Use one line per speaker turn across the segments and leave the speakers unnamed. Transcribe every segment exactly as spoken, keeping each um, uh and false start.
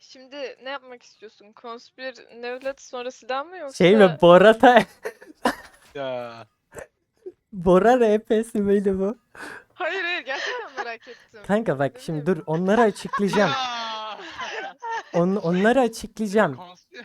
Şimdi ne yapmak istiyorsun? Konspir Nevlet sonra silah mı yoksa?
Şey mi Bora da
Ya.
Bora R P'si miydi bu?
Hayır hayır gerçekten merak ettim.
Kanka bak
Ne
şimdi
bileyim.
dur onları açıklayacağım.
Ya.
On, onları açıklayacağım.
Konspir-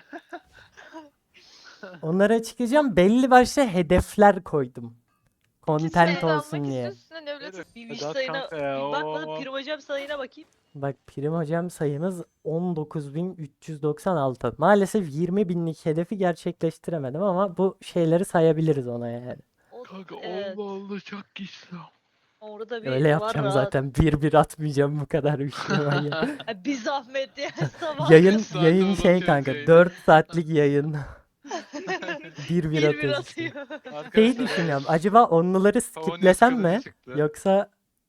Onları açıklayacağım. Belli başlı hedefler koydum.
İkisini
Content
de almak
olsun diye.
istiyorsun da Nevlet'i.
Bir
Hadi
wish
at
sayına
kanka ya,
bir bak bana
oo.
prim hocam sayına bakayım.
Bak prim hocam sayımız on dokuz bin üç yüz doksan altı. Maalesef yirmi binlik hedefi gerçekleştiremedim ama bu şeyleri sayabiliriz ona yani.
O,
Kanka
evet,
Allah Allah çok güçlü.
orada bir
Öyle
var
yapacağım
rahat.
zaten. Bir bir atmayacağım bu kadar bir şey var ya.
Ha, bir zahmet ya sabah.
Yayın
saat
yayın
oldu
şey
atıyoruz
kanka
yayını.
dört saatlik yayın. Bir bir
bir bir
atıyoruz işte.
atıyor.
Şeyi
Arkadaşlar,
düşünüyorum. Acaba onları
Favonius
skiplesem mi?
kılıcı çıktı.
Yoksa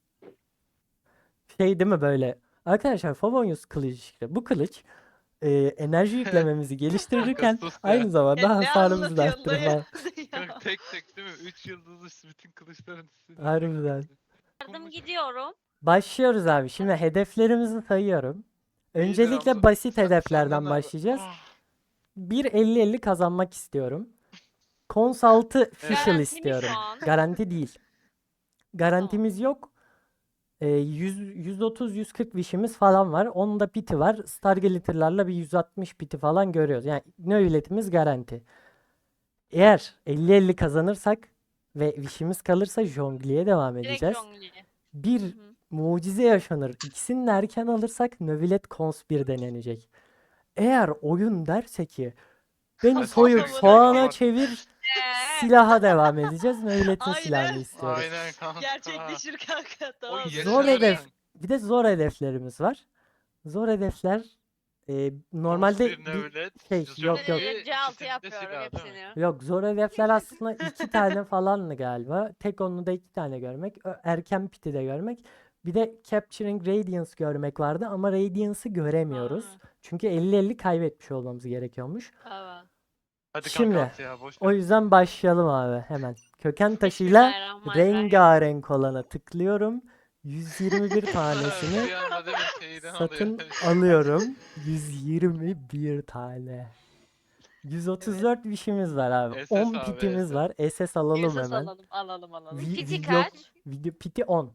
şey değil mi böyle? Arkadaşlar Favonius kılıcı çıktı. Bu kılıç e, enerji yüklememizi geliştirirken
Sus ya.
aynı zamanda
Ya ne
hasarımızı da
anlatıyorsun
arttırır
dayı?
falan.
Kanka tek tek değil mi? Üç yıldızlı bütün kılıçların üstünde.
Harbiden.
Yardım gidiyorum.
Başlıyoruz abi. Şimdi hedeflerimizi sayıyorum.
İyidir
Öncelikle
Hamza.
basit
Sen-
hedeflerden
senden abi.
başlayacağız.
Ah,
bir elli elli kazanmak istiyorum. Cons altı official
Garanti mi
istiyorum.
şu an?
Garanti değil. Garantimiz yok. Ee, yüz, yüz otuz yüz kırk wish'imiz falan var. Onun da biti var. Star Glitter'larla bir yüz altmış biti falan görüyoruz. Yani nöbetimiz garanti. Eğer elli elli kazanırsak ve wish'imiz kalırsa jongliye devam
Direkt
edeceğiz.
jongliye.
Bir
Hı hı.
mucize yaşanır. İkisini de erken alırsak nöbet cons bir denenecek. Eğer oyun derse ki beni
Hadi
soyup
bakalım.
soğana
Aman.
çevir,
Ee,
silaha devam edeceğiz. Nöbetin
Aynen.
silahını istiyoruz.
Aynen kanka.
Gerçekleşir kanka tamam.
Oy,
Zor
yaşar
hedef.
yani.
Bir de zor hedeflerimiz var. Zor hedefler e, normalde
Konspir,
bir
Nevlet,
şey
Jonglier,
yok yok.
Böyle C altı
ikisinde
yapıyorum
silah, değil mi?
hepsini.
Yok zor hedefler aslında iki tane falanlı galiba. Tek onu da iki tane görmek. Ö- Erken piti de görmek. Bir de Capturing Radiance görmek vardı ama Radiance'ı göremiyoruz.
Ha.
Çünkü elli elli kaybetmiş olmamız gerekiyormuş.
Evet.
Hadi
Şimdi,
kanka at ya boş
O
ver.
yüzden başlayalım abi hemen. Köken taşıyla
Bismillahirrahmanirrahim.
rengarenk olana tıklıyorum. yüz yirmi bir tanesini
Bir anda değil mi şeyden
satın
alıyor.
alıyorum. yüz yirmi bir tane. yüz otuz dört wish'imiz var abi.
S S
on
abi,
pitimiz
S S.
var. S S alalım
Esas
hemen.
alalım alalım alalım.
Vi-
Piti
video,
kaç?
video piti on.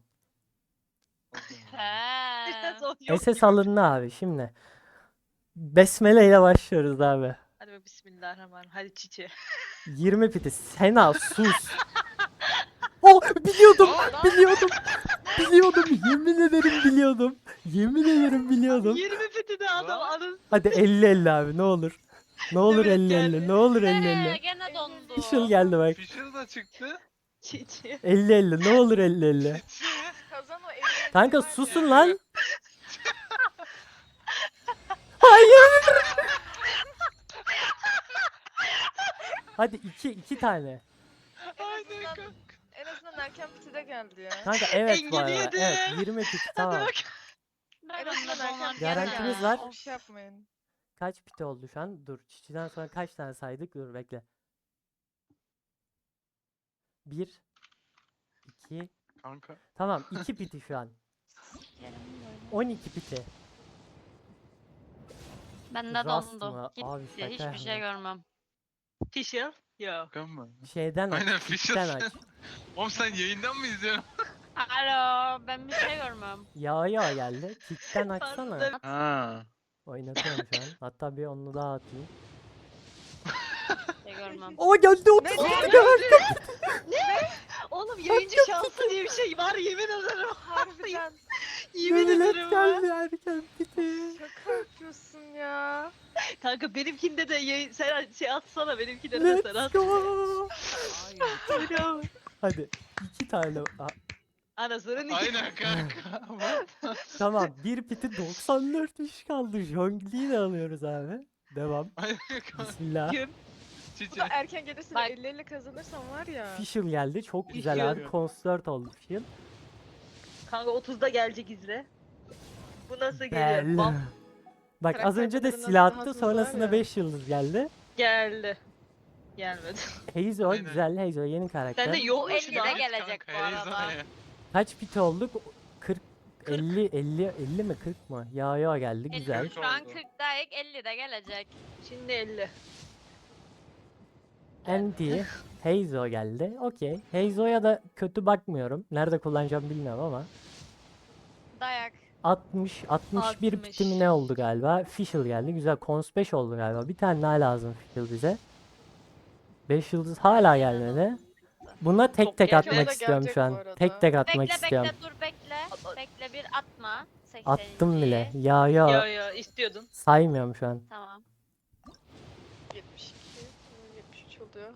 He.
Son yok
S S
gibi.
alındı abi şimdi. Besmele ile başlıyoruz abi.
Hadi be bismillahirrahmanirrahim. Hadi çiçe.
yirmi piti. Sena sus. Oh biliyordum. biliyordum. Biliyordum. Yemin ederim biliyordum. Yemin ederim biliyordum.
yirmi fiti de adam
Lan.
anın.
Hadi elli elli abi ne olur. Ne olur
Evet,
elli elli.
geldi.
Ne olur elli
Ee,
elli.
gene dondu.
Official geldi bak.
Fisher da çıktı.
Çiçe.
elli elli. Ne olur elli elli.
Çiçi.
Kazan o elli.
Kanka susun lan. Hayır. Hadi iki iki tane.
Aynen kanka.
En azından erken piti de geldi ya.
Kanka evet bu arada.
Engel
Evet
yedim.
yirmi pit
Hadi
tamam.
bak.
En
Ben
azından
onunla
erken
donar
piti
Garantimiz
geldi.
var.
Bir şey yapmayın.
Kaç pit oldu şu an? Dur. Çiçiden sonra kaç tane saydık? Dur bekle. Bir. iki.
Kanka.
Tamam iki piti şu an. on iki piti.
Bende
Rast
dondu.
mı?
Gitti.
Abi şaka
Hiçbir şey
yapma.
görmem.
Fisher. Yok.
Kan mı?
Şeyden aç.
Aynen
Pitten
Fisher.
aç.
Oğlum sen yayından mı izliyorsun?
Alo, ben bir şey görmem.
Yağa yağa geldi. Pitten açsana.
Pardon.
Ha.
Oynatıyorum şu an. Hatta bir onu daha atayım.
Bir şey görmem.
O geldi otuz
Ne?
piti de
Oğlum yayıncı şansı diye bir şey var yemin ederim.
Harbiden
Yemin
Millet
ederim
geldi
ha.
erken piti.
şaka yapıyorsun ya.
Kanka benimkinde de yayın sen şey atsana benimkinde de sen
Let's
at.
go.
Aynen.
Hadi iki tane. Aa,
Anasının iki.
Aynen kanka.
tamam bir piti doksan dört iş kaldı. Jongliyi de alıyoruz abi. Devam.
Aynen kanka.
Bismillah.
Kim?
Bu
Çiçe.
da erken gelirse
Bak.
elli elli kazanırsam var ya.
Official geldi. Çok güzel
Official.
abi. Konsert oldu official.
Kanka otuzda gelecek izle. Bu nasıl geliyor?
Bel.
Bam
Bak az önce de
Karakterlerin
silah
nasıl
attı.
hızlı var
Sonrasında
ya.
beş yıldız geldi.
geldi. Gelmedi.
Heizo
Aynen.
güzel. Heizo yeni karakter.
Sen de yok
Bu
mu
elli
şu
de
an?
gelecek bu
Kanka,
arada.
Heyecan ya.
Kaç piti olduk? kırk elli elli elli mi kırk mı? Ya ya geldi güzel.
elli, şu an
oldu.
kırktayız, elli de gelecek.
Şimdi elli.
Andy, Heizo geldi. Okey. Heizo'ya da kötü bakmıyorum. Nerede kullanacağım bilmiyorum ama.
Dayak.
altmış altmış bir
altmış.
bitimi ne oldu galiba? Fischl geldi. Güzel. Cons beş oldu galiba. Bir tane daha lazım Fischl bize. beş yıldız hala gelmedi. Buna tek
Çok
tek
gelecek.
atmak
Bana
istiyorum
gelecek
şu
bu
an.
arada.
Tek tek atmak
Bekle
istiyorum.
bekle dur bekle. Bekle bir atma.
Attım bile.
sekseninci.
Ya
Ya
ya
ya istiyordun.
saymıyorum şu an.
Tamam.
yetmiş iki. yetmiş üç oluyor.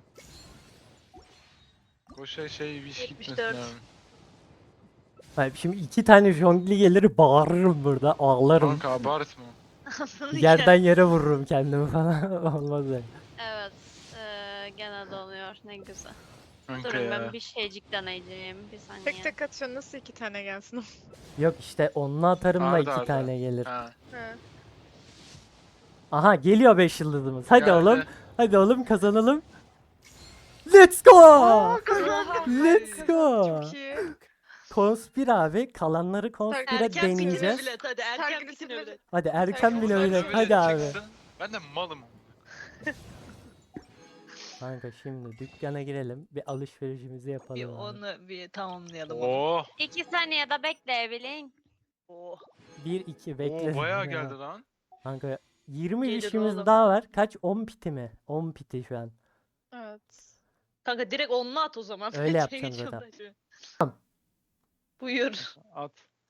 Boşa şey viş
yetmiş
gitmesin
dört.
abi.
Hayır, şimdi iki tane jongli gelir bağırırım burada. Ağlarım.
Kanka abartma.
Yerden yere vururum kendimi falan. Olmaz öyle.
Evet. Eee gene donuyor. Ne güzel.
Kanka
Durun
ya.
ben bir şeycik deneyeceğim. Bir saniye.
Tek tek atıyorsun nasıl iki tane gelsin?
Yok işte onunla atarım da
Arda
iki
arda.
tane gelir.
Ha.
He.
Aha geliyor beş yıldızımız. Hadi
geldi.
oğlum. Hadi oğlum kazanalım. Let's go. Let's go.
Çok iyi.
Konspir abi. Kalanları konspire
Erken bitine
deneyeceğiz.
bilet hadi erken
Sergi
bitine
bitine
bilet.
Hadi erken
Erken
bile
olsa
öyle.
Böyle
Hadi abi.
çıksın, Ben de malım.
Kanka şimdi dükkana girelim. Bir alışverişimizi yapalım.
Bir
abi.
onu bir tamamlayalım. onu.
Oo.
İki saniyede bekleyebilin.
Oh.
bir iki bekle.
Oo bayağı
Ya.
geldi lan.
Kanka yirmi
Gelir
işimiz
oğlum.
daha var. Kaç? on piti mi? on piti şu an.
Evet.
Kanka direkt onunla at o zaman.
Öyle
Şey
yapacağım
geçiyorum
zaten.
da şu.
Tamam.
Buyur.
At.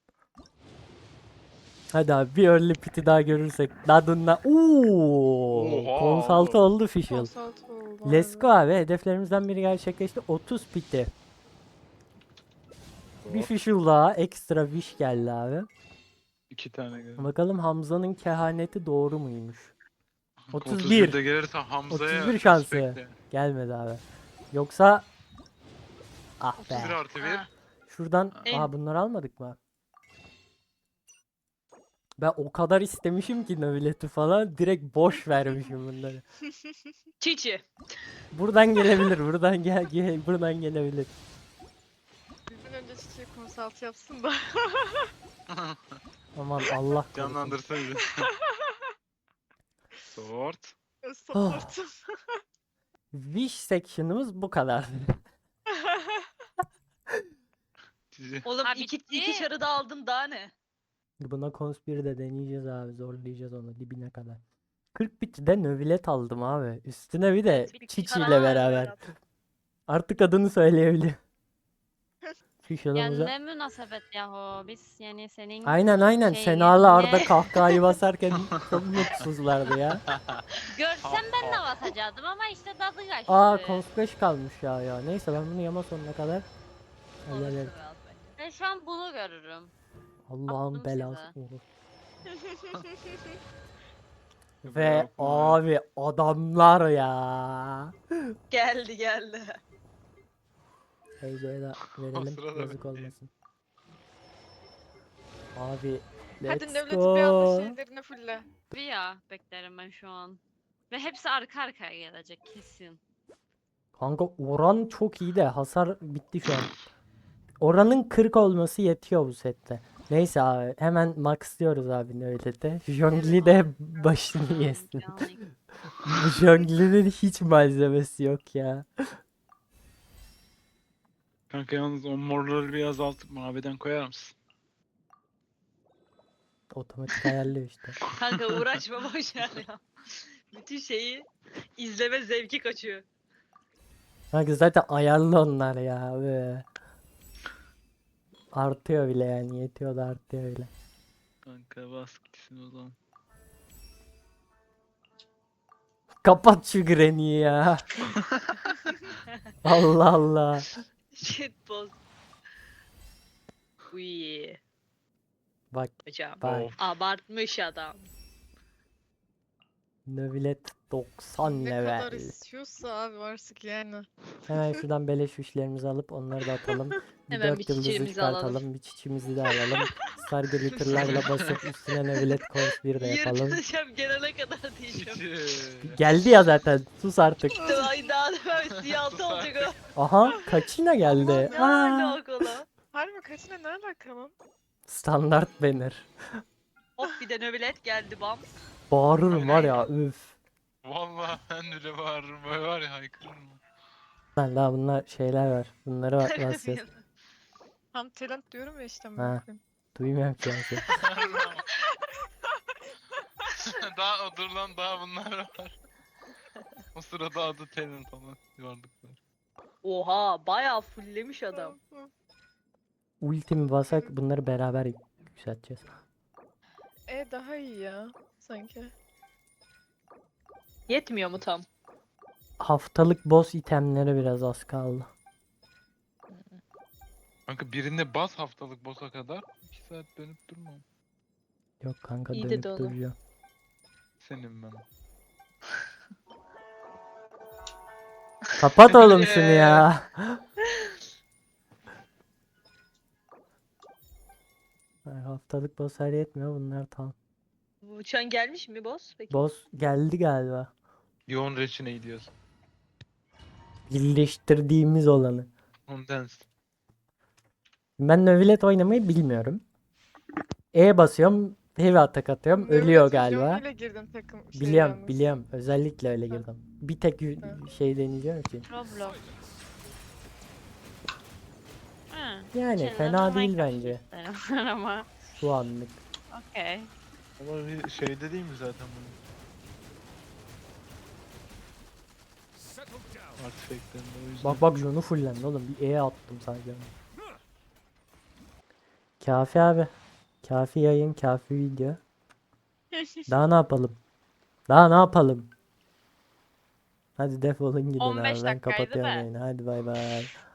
Hadi abi bir early piti daha görürsek. Dadunla. Ooo.
Oha
Konsaltı
oğlum.
oldu official.
Konsalt oldu.
Let's go abi. Hedeflerimizden biri gerçekleşti. otuz piti. Bir official daha. Ekstra wish geldi abi.
İki tane geldi.
Bakalım Hamza'nın kehaneti doğru muymuş?
Kanka,
otuz bir.
de gelirse Hamza'ya
otuz bir şansı.
respect.
Gelmedi abi. Yoksa ah
otuz bir
be.
artı bir.
Ha.
Şuradan
En-
aa bunları almadık mı? Ben o kadar istemişim ki nöbileti falan direkt boş vermişim bunları.
Çiçi.
Buradan gelebilir, buradan gel, gel buradan gelebilir.
Bizden önce çiçeği konsalt yapsın da.
Aman Allah korusun.
Canlandırsın bizi. Sort.
Supportum.
Wish section'ımız bu kadar.
Cici.
Oğlum
Ha,
iki,
bitti.
iki şarı da aldın daha ne?
Buna konspiri de deneyeceğiz abi, zorlayacağız onu dibine kadar. kırk bit'de nöbilet aldım abi. Üstüne bir de
Bir
Çiçi
karar
ile
ver
beraber.
Berat.
Artık adını söyleyebiliyor. Şu
Ya
şalımıza.
ne münasebet yahu. Biz yani senin
Aynen aynen.
şey
Sena'la Arda
yerine-
kahkahayı basarken çok mutsuzlardı ya.
görsem ben de basacaktım ama işte tadı kaçtı.
Aa Cons beş kalmış ya ya. Neyse ben bunu yama sonuna kadar
Olursun
hallederim.
Berat bence.
Ben şu an bunu görürüm.
Allah'ın
Attım
belası
size.
olur. Ve
Yok mu?
abi adamlar ya.
Geldi geldi.
Teyzeye de verelim
sırada
yazık
ben
olmasın. Abi
Hadi
let's
nöbeti bir anda
go.
şeylerini fulle.
Bir ya beklerim ben şu an. Ve hepsi arka arkaya gelecek kesin.
Kanka oran çok iyi de hasar bitti şu an. Oranın kırk olması yetiyor bu sette. Neyse abi hemen max diyoruz abi nöbete. Jongli de başını yesin.
Yani.
Bu Jongli'nin hiç malzemesi yok ya.
Kanka yalnız o morları bir azaltıp maviden koyar mısın?
Otomatik ayarlıyor işte.
Kanka uğraşma boş ver ya. Bütün şeyi izleme zevki kaçıyor.
Kanka zaten ayarlı onlar ya. Be. Artıyor bile yani yetiyor da artıyor bile.
Kanka bas gitsin o zaman.
Kapat şu Granny'i ya. Allah Allah.
Shit boss. Uy.
Bak
Hocam.
bak.
Abartmış adam.
Nöbilet doksan
Ne kadar
level.
istiyorsa abi artık yani.
Hemen şuradan beleş işlerimizi alıp onları da atalım. Bir
Hemen
dört
bir
yıldızı
çiçeğimizi alalım.
çıkartalım. Bir çiçimizi de alalım. Star glitter'larla basıp üstüne nöbilet kons bir de yapalım.
Yırtacağım gelene kadar diyeceğim.
Cici.
Geldi ya zaten. Sus artık.
Ay daha da ben siyahlı olacak o.
Aha kaçına geldi.
Ne
Aa,
alaka lan?
Harbi kaçına ne alaka lan?
Standart banner.
Hop bir de nöbet geldi bam.
Bağırırım var ya üf.
Vallahi ben bile bağırırım. Böyle var ya haykırırım.
Lan daha bunlar şeyler var. Bunları bak basacağız.
Tam talent diyorum ya işte.
Ha.
amına koyayım.
Duymuyorum ki ben seni.
Daha dur lan daha bunlar var. O sırada adı talent olan varlıklar.
Oha bayağı fulllemiş adam.
Ultimi basak bunları beraber yükselteceğiz.
E daha iyi ya sanki.
Yetmiyor mu tam?
Haftalık boss itemlere biraz az kaldı.
Kanka birinde bas haftalık boss'a kadar iki saat dönüp durma.
Yok kanka
İyi
dönüp
dedi oğlum.
duracağım.
Senin ben.
Kapat oğlum şunu ya. Ay, haftalık boss her yetmiyor bunlar tam.
Bu uçan gelmiş mi boss? Peki.
Boss geldi galiba.
Yoğun reçine gidiyoruz.
Birleştirdiğimiz olanı.
Ondens.
Ben Növilet oynamayı bilmiyorum. E basıyorum, heavy atak atıyorum, ölüyor
Nöbet
galiba.
videoyla girdim takım şey
Biliyorum,
yalnız.
biliyorum. Özellikle öyle
Ha.
girdim. Bir tek y-
Ha.
şey deneyeceğim için.
Roblox. Ha,
Yani
şeyler
fena
de
değil
Minecraft
bence.
isterim ama.
Şu anlık.
Okey.
Ama bir şeyde değil mi zaten bu? Artifact'lerinde o yüzden.
Bak bak Jon'u fullendi oğlum. Bir E attım sadece. Kafi abi. Kafi yayın, kafi video. Daha ne yapalım? Daha ne yapalım? Hadi defolun gidin
on beş
abi. Ben
dakikaydı
kapatıyorum
da.
yayını. Hadi bay bay.